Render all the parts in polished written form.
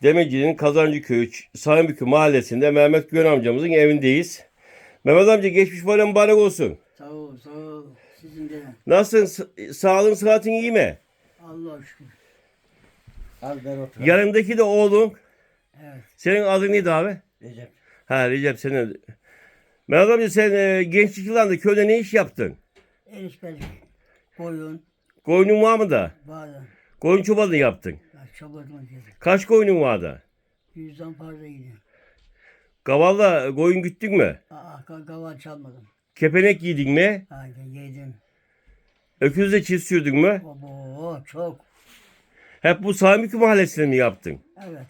Demeci'nin Kazancıköy, Samiköy mahallesinde Mehmet Güven amcamızın evindeyiz. Mehmet amca geçmiş bayram mübarek olsun. Sağ ol, sağ ol. Sizin de. Nasılsın? Sağlığın, sıhhatin iyi mi? Allah'a şükür. Al ben oturayım. Yanındaki de oğlun. Evet. Senin adın neydi abi? Recep. Ha Recep senin. Mehmet amca sen gençlik yıllarında köyde ne iş yaptın? Erişmedik. Koyun. Koyunun var mı da? Bazen. Koyun çobanı yaptın. Ya çobanlık yedik. Kaç koyunun vardı? 100'den fazla gidiyor. Kavalla koyun güttün mü? Kaval çalmadım. Kepenek giydin mi? Yedim. Öküzle çift sürdün mü? Obo çok. Hep bu Samiköy mahallesinde mi yaptın? Evet.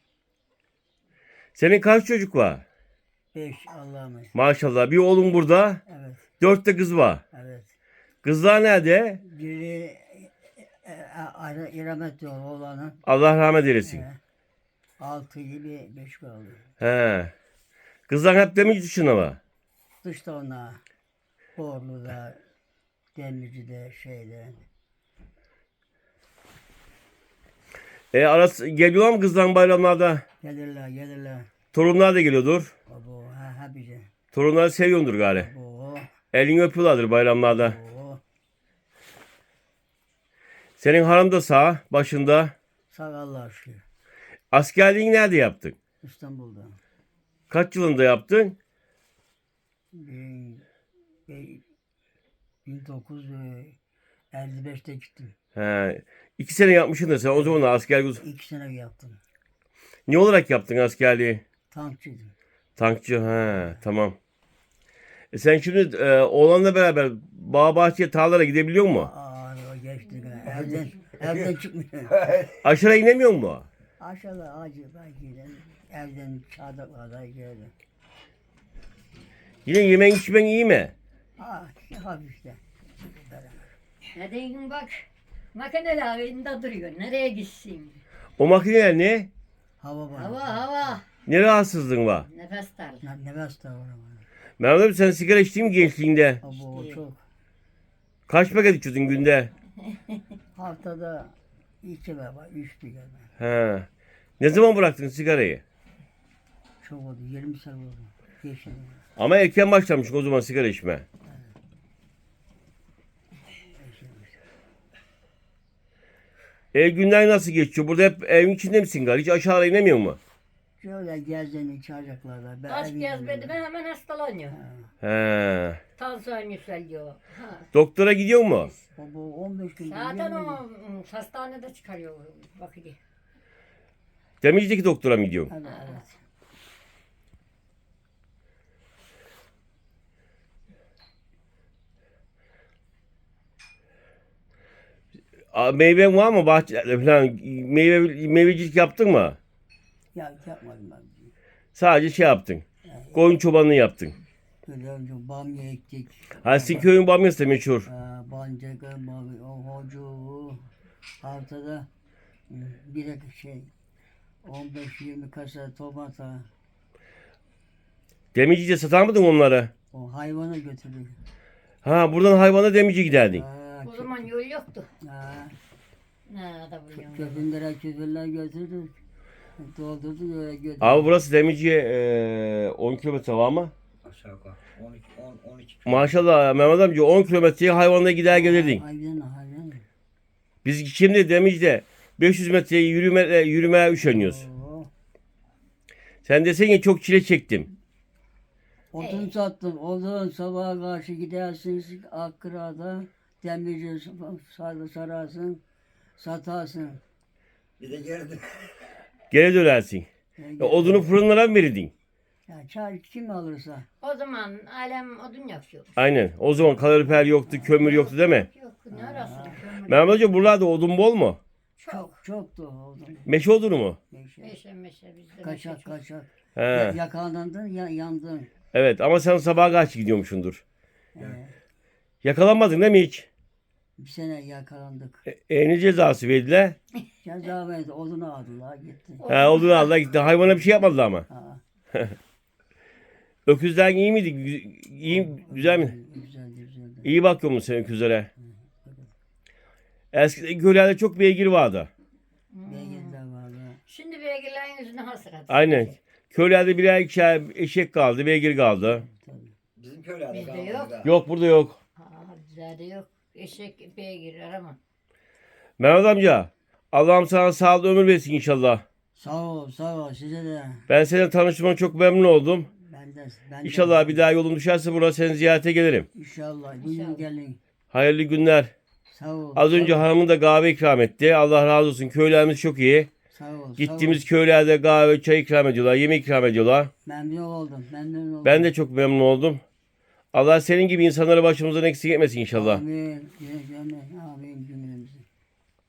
Senin kaç çocuk var? 5 Allah'ım. Maşallah. Bir oğlun burada. Evet. 4 de kız var. Evet. Kızlar nerede? Biri İramet yolu olanın. Allah rahmet eylesin. 6 gibi 5 kaldı. He. Kızlar hep Demirci dışında mı? Dışta ona. Borlu'da, Demirci'de, şeyde. Arası geliyor mu kızların bayramlarda? Gelirler. Torunlar da geliyordur. Abo ha bize. Torunları seviyordur gari. Abo. Elini öpüyorlardır bayramlarda. Oo. Senin hanım da sağ başında. Sağ Allah'a şükür. Askerliğini nerede yaptın? İstanbul'da. Kaç yılında yaptın? 1955'te gittim. He. 2 sene yapmışsın da sen o zaman da askerlik. 2 sene yaptım. Ne olarak yaptın askerliği? Tankçıydım. Tankçı. He, tamam. Sen şimdi oğlanla beraber bağ bahçeye tarlalara gidebiliyor musun? O geçti. Evden çıkmıyor. Aşağı inemiyor mu? Aşağıda acıda gidelim. Evden çardaklarda geldim. Yine yemen içmen iyi mi? Hafif işte. Neden bak makineler elinde duruyor. Nereye gitsin? O makineler ne? Hava var. Hava. Ne rahatsızlığın var? Nefes darlığı. Nefes de var. Mehmet abi sen sigara içtin mi gençliğinde? Abo çok. Kaç paket içiyordun günde? Haftada 2 veya 3 bir galiba. He. Ne zaman bıraktın sigarayı? Çok oldu. 20 sene oldu. Geçti. Ama erken başlamışsın o zaman sigara içme. Günler nasıl geçiyor? Burada hep evin içinde misin galiba? Hiç aşağıya inemiyor mu? Şöyle gezdiğini çağıracaklarda. Ben Az evin gezmedi mi yanında. hemen hastalanıyor. He. Tansiyon yükseliyor. Ha. Doktora gidiyor mu? Baba 15 gün. Zaten o hastanede çıkarıyor vakiti. Demirci'deki doktora mı gidiyorsun? Evet. Meyven var mı bahçelerde falan? Meyvecilik yaptın mı? Ya yapmadım ben. Sadece şey yaptın. Koyun çobanlığı yaptın. Böyle önce bamya ektik. Ha sizin köyün bamyası da meşhur. Bancaka, bamya, o hocu. Haftada bir şey 15-20 kasa tomata. Demirci'de satar mıydın onları? O hayvana götürdük. Ha buradan hayvana Demirci giderdin. O zaman yol yoktu. Ne da buluyorum. Köpünler götürdük. Doldurduk öyle götürdük. Abi burası Demirci'ye 10 kilometre var mı? Aşağı yukarı. 12. Maşallah Mehmet amca 10 kilometreye hayvanla gider gelirdin. Hayvan. Biz şimdi Demirci'de 500 metreye yürümeye üşeniyoruz. Oo. Sen desene çok çile çektim. Odun sattım. Odun sabaha karşı gidersiniz Akkıra'da. Demirci sararsın. Satarsın. Bir de geldi. Geri dönersin. Odunu fırınlara mı verirdin? Ya çay kim alırsa. O zaman alem odun yakıyor. Aynen. O zaman kalorifer yoktu, kömür yoktu değil mi? Yok ne arası kömür. Mehmet Hoca buralarda odun bol mu? Çoktu odun. Meşe odunu mu? Meşe bizde Kaçak. He. Yakalandın, yandın. Evet ama sen sabaha karşı gidiyormuşsundur. Ee, Yakalanmadın değil mi hiç? bir sene yakalandık. Ne cezası verdiler? Ceza verdi, odunu aldılar gitti. He, odunu aldılar gitti. Hayvana bir şey yapmadılar ama. Ha, Öküzler iyi miydi? İyi, güzel mi? güzeldi. İyi bakıyor musun sen öküzlere? Eskiden köylerde çok beygir vardı. Beygirler vardı. Şimdi beygirlerin yüzüne hasret. Aynen. Köylerde birer ikişer eşek kaldı, beygir kaldı. Bizim köylerde Bizde kalmadı yok. daha. Yok burada yok. Bizde yok. Eşek beygir arama. Mehmet amca Allah'ım sana sağlıklı ömür versin inşallah. Sağ ol, sağ ol. Size de. Ben seninle tanıştığıma çok memnun oldum. Ben de. İnşallah bir daha yolum düşerse burada seni ziyarete gelirim. İnşallah. Buyurun gelin. Hayırlı günler. Sağ ol. Az önce sağ ol, hanımın da kahve ikram etti. Allah razı olsun. Köylerimiz çok iyi. Sağ ol. Gittiğimiz köylerde kahve, çay ikram ediyorlar. Yemek ikram ediyorlar. Memnun oldum. Memnun oldum. Ben de çok memnun oldum. Allah senin gibi insanları başımızdan eksik etmesin inşallah. Amin. Amin. Amin.